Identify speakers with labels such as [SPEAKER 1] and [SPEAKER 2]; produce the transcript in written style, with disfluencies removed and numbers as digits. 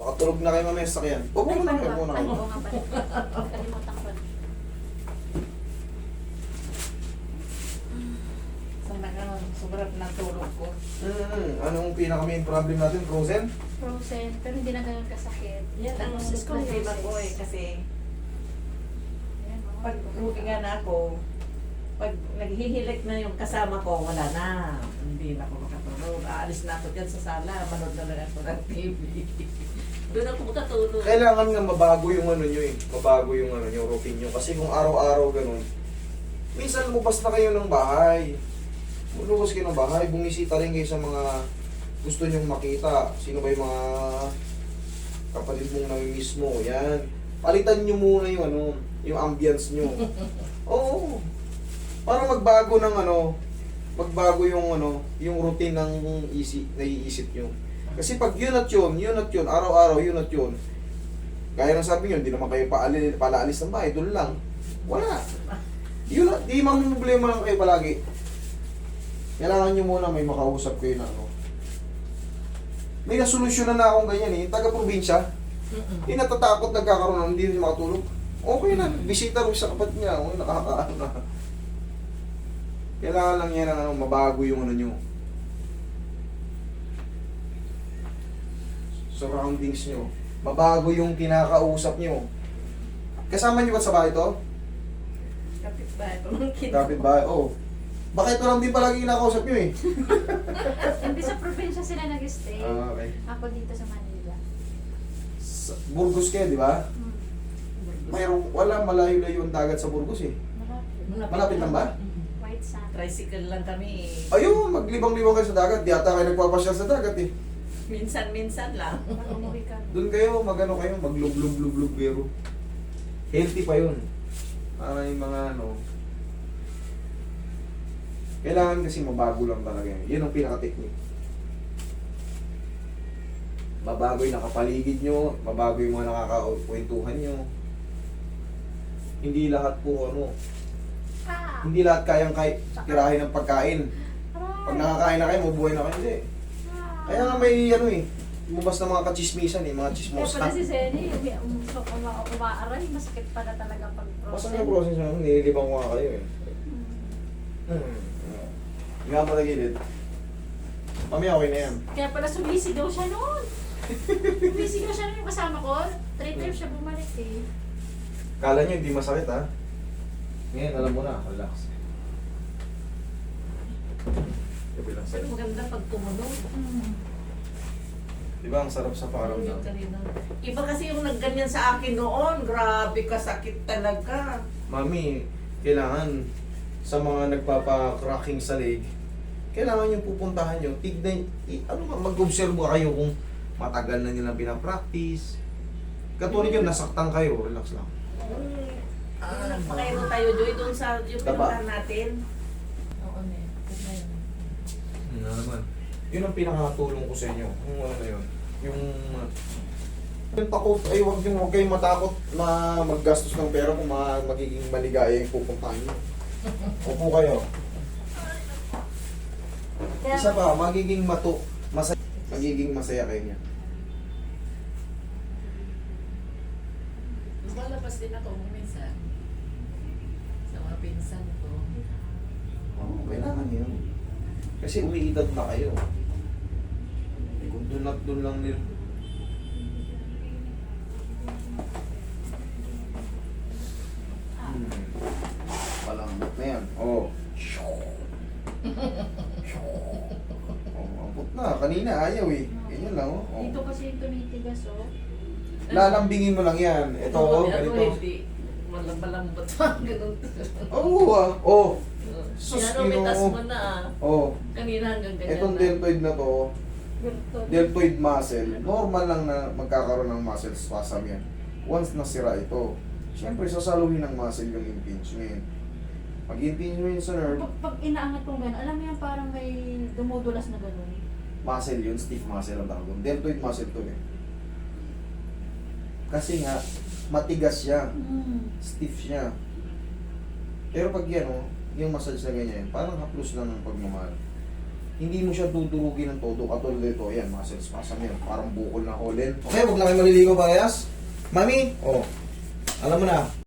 [SPEAKER 1] Makatulog na kayo mamaya sa sakyan. Huwag mo na kayo muna
[SPEAKER 2] Ay,
[SPEAKER 1] kayo.
[SPEAKER 2] oo nga pala. Kalimutan ko.
[SPEAKER 3] Sana ka sobrang natulog ko.
[SPEAKER 1] Anong pinaka-main problem natin? Frozen?
[SPEAKER 2] Frozen, pero hindi na ganun kasakit.
[SPEAKER 3] Yan ang
[SPEAKER 2] Tapos
[SPEAKER 3] problema ko eh. Kasi
[SPEAKER 2] Ayan, mga
[SPEAKER 3] pag rutingan na ako, pag naghihilik na yung kasama ko, wala na. Hindi na ako makatulog. Aalis na ako dyan sa sala. Manood na lang ako ng TV. Doon ako makatulog.
[SPEAKER 1] Kailangan nga mabago yung ano nyo eh. Mabago yung ano nyo, routine nyo. Kasi kung araw-araw ganun, minsan lumabas na kayo ng bahay. Lumabas kayo ng bahay, bumisita rin kayo sa mga gusto nyong makita. Sino ba yung mga kapatid mong namimiss mo? Yan. Palitan nyo muna yung ano, yung ambience nyo. Oo. Para magbago ng ano, magbago yung ano, yung routine ng naiisip nyo. Kasi pag yun at yun, araw-araw yun at yun, gaya ng sabi nyo, hindi naman kayo palaalis ng bahay, doon lang. Wala. Yun at, di mamumblema lang kayo palagi. Kailangan nyo muna may makausap kayo na ano. May nasolusyonan na akong ganyan eh, taga-probinsya. Hindi natatakot nagkakaroon ng hindi rin makatulog. Okay na, bisita rin sa kapatid niya, nakakaano na. Kailangan lang yan ang ano, mabago yung ano nyo. Surroundings nyo. Mabago yung kinakausap nyo. Kasama nyo ba sa bahay to?
[SPEAKER 3] Kapit ba ito?
[SPEAKER 1] Kapit bahay, oh. Bakit ito lang din palagi kinakausap nyo eh?
[SPEAKER 2] Hindi sa probinsya sila nag-stay.
[SPEAKER 1] Okay.
[SPEAKER 2] Ako dito sa Manila.
[SPEAKER 1] Sa Burgos kayo, di ba? Mayroong, wala malayo-layo ang dagat sa Burgos eh. Malapit lang ba?
[SPEAKER 2] White sand.
[SPEAKER 3] Tricycle lang kami.
[SPEAKER 1] Ayun, maglibang-libang kayo sa dagat. Di ata kayo nagpapasyal sa dagat eh.
[SPEAKER 3] Minsan-minsan lang.
[SPEAKER 2] Pag umuwi ka.
[SPEAKER 1] Doon kayo, magano kayo, maglub-lub-lub-lub pero healthy pa yun. Para yung mga ano, kailangan kasi mabago lang talaga yun. Yun ang pinaka-technique. Mabago yung nakapaligid nyo, mabago yung mga nakakakwentuhan nyo. Hindi lahat po ano, hindi lahat kayang tirahin ng pagkain. Pag nakakain na kayo, mabuhay na kayo. Hindi. Kaya nga may ano eh, lumabas na mga kachismisan eh, mga
[SPEAKER 2] Kaya
[SPEAKER 1] chismos
[SPEAKER 2] pala
[SPEAKER 1] na.
[SPEAKER 2] si Zenny, umaaray, masakit pala talaga pag
[SPEAKER 1] Basta
[SPEAKER 2] frozen.
[SPEAKER 1] yung process nyo, nililibang ko nga kayo eh. Hindi nga pala gilid. Mamaya okay na yan.
[SPEAKER 2] Kaya pala sumisigaw siya noon. Sumisigaw siya noon yung kasama ko. 3 times siya bumalik eh.
[SPEAKER 1] Kala nyo hindi masakit ha? Ngayon alam mo na, relax. Gabi lang
[SPEAKER 3] Pero
[SPEAKER 1] sa'yo.
[SPEAKER 3] maganda pag tumunog.
[SPEAKER 1] Di ba ang sarap sa pakiramdam?
[SPEAKER 3] Iba kasi yung nagganyan sa akin noon. Grabe kasakit talaga.
[SPEAKER 1] Mami, kailangan sa mga nagpapa-cracking sa leg, kailangan yung pupuntahan nyo, tignan, mag-observe kayo kung matagal na nilang pinapractice. Katulad yun, nasaktan kayo, relax lang.
[SPEAKER 3] Pakain mo tayo, Joy, doon sa yung
[SPEAKER 1] Daba.
[SPEAKER 3] pinuntahan natin. Oo, ne.
[SPEAKER 1] Ano naman? Yun ang pinakatulong ko sa inyo. Kung ano na yun. Yung takot, ay huwag kayong matakot na maggastos ng pera kung magiging maligaya yung pupuntahan nyo. Upo kayo. Isa pa, magiging masaya kayo niya.
[SPEAKER 3] Lumalabas din ako minsan. Sa mga pinsan ko.
[SPEAKER 1] Oo, kailangan yun. Kasi umiidad na kayo. Kung doon at doon lang nila. Palambot na yan. Oo. Ambot na. Kanina ayaw eh. Ganyan lang oh.
[SPEAKER 2] Dito kasi yung tumitigas oh.
[SPEAKER 1] Lalambingin mo lang yan. Ito oh, ganito.
[SPEAKER 3] Malambot pa. Ganun.
[SPEAKER 1] Oo ah. Oh. Sus,
[SPEAKER 3] Pinomitas
[SPEAKER 1] Ginoo.
[SPEAKER 3] mo na.
[SPEAKER 1] Oh.
[SPEAKER 3] Kanina hanggang ganyan
[SPEAKER 1] Itong
[SPEAKER 3] na.
[SPEAKER 1] deltoid na to,
[SPEAKER 2] Ganito.
[SPEAKER 1] deltoid muscle, normal lang na magkakaroon ng muscle spasm yan. Once nasira ito, siyempre sasaluhin ng muscle yung impingement. Pag impingement sa nerve,
[SPEAKER 2] Pag inaangat kong gano'n, alam mo yan parang may dumudulas na gano'n.
[SPEAKER 1] muscle yun, stiff muscle ang tawag doon. Deltoid muscle to eh. Kasi nga, matigas siya, stiff siya. Pero pag yan oh, yung massage na ganyan, parang haplos lang ng pagmamahal. hindi mo siya tuturugin ng todo. Katulad ito, ayan, muscle spasm yan. Parang bukol na holen. Okay, huwag lang kayo maliligaw parehas. Mami, oh, alam mo na,